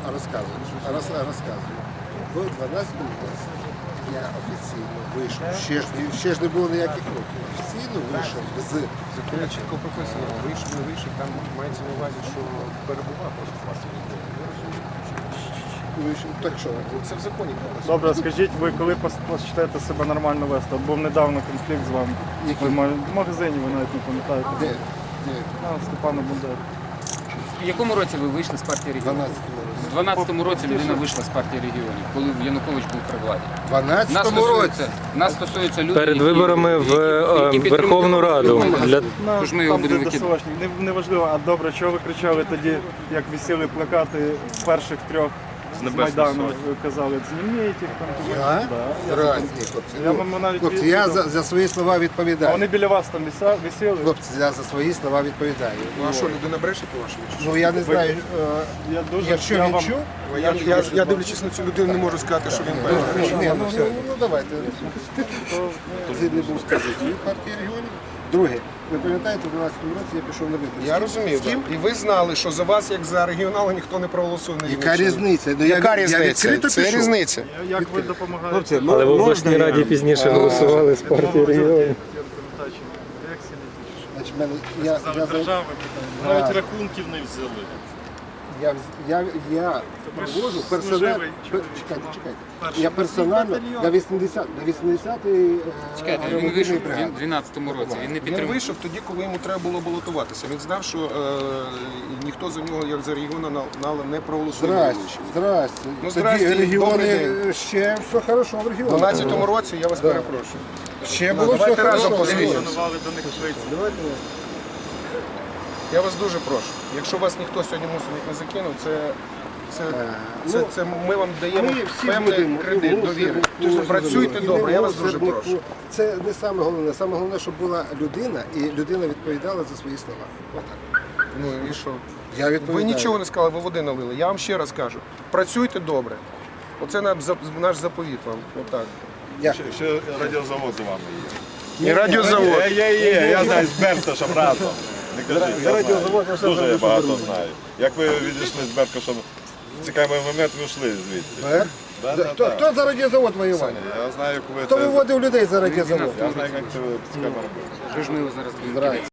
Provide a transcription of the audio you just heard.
розказую. В 12-му році я офіційно вийшов, ще ж не було ніяких років, офіційно вийшов з... Законі чітко прописано, вийшов, не вийшов, там мається на увазі, що перебував просто в партії регіонів. Так що? Це в законі прописано. Добре, скажіть, ви коли почнете себе нормально вести? От був недавно конфлікт з вами. Який? В магазині, ви навіть не пам'ятаєте. Де? Степана Бандери. В якому році ви вийшли з партії В регіонів? 12-му році. У 12-му році людина вийшла з партії регіонів, коли Янукович був при владі. В 12-му році? Нас стосується людей, Перед виборами в які Верховну Раду. Для... Тож ми його Там, будемо де викидувати. ДСОшник. Неважливо, а добре, чого ви кричали тоді, як висіли плакати перших трьох з Майдану, ви казали, зніміть їх там. Я? Да, Разні, хлопці. Я вам навіть Хлопці, я відповідав. за свої слова А відповідаю. вони біля вас там висіли? Хлопці, я за свої слова відповідаю. Ну а що, людина бреше по-вашому? Ну я не знаю, Я дуже якщо я він вам- чув, Я дивлячись на цю людину, не можу сказати, що він бреше. ні, ну давайте. Це не був з позиції партії регіонів. Друге, ви пам'ятаєте, в 12-му році я пішов на вибори. Я розумію, З ким? так. І ви знали, що за вас, як за регіонала, ніхто не проголосує. Яка різниця? Ну, Яка я різниця? відкрито Це пішов. різниця. Як ви допомагаєте? Але в обласній раді пізніше голосували з партії регіонів. Значить, я Держави навіть рахунків не взяли. Я проводжу персонально. Чекайте. Я персонально на 80-й Чекайте, він вийшов в 12-му році, він не Він підтримав. вийшов тоді, коли йому треба було балотуватися. Він знав, що ніхто за нього, як за регіонала, не проголосує. Здрасте. Ну, Тоді здрасте, добрий регіони день. ще все хорошо в У регіонах. 12-му році я вас перепрошую. Ще було все Давайте разом хорошо. подивимося. Шанували до них швидше. Я вас дуже прошу. Якщо вас ніхто сьогодні мусить не закинув, це ми вам даємо Ми всі певний будемо кредит довіри. Працюйте добре, я вас дуже прошу. Це не саме головне. Саме головне, щоб була людина, і людина відповідала за свої слова. Отак. Ну і що? Я Ви відповідаю. нічого не сказали, ви води налили. Я вам ще раз кажу. Працюйте добре. Оце наш заповіт вам. Отак. Дякую. Ще радіозавод за вами є. І радіозавод. Я знаю з Берташем разом. Не кажіть, я знаю. Дуже я багато знаю. Як ви відійшли з Беркашем, цікавий момент, ви йшли звідти. Хто за радіозавод воював? Я знаю, коли Хто виводив людей за радіозавод? Я знаю, як це цікаво робити. Що ж ми його зараз будемо кидати?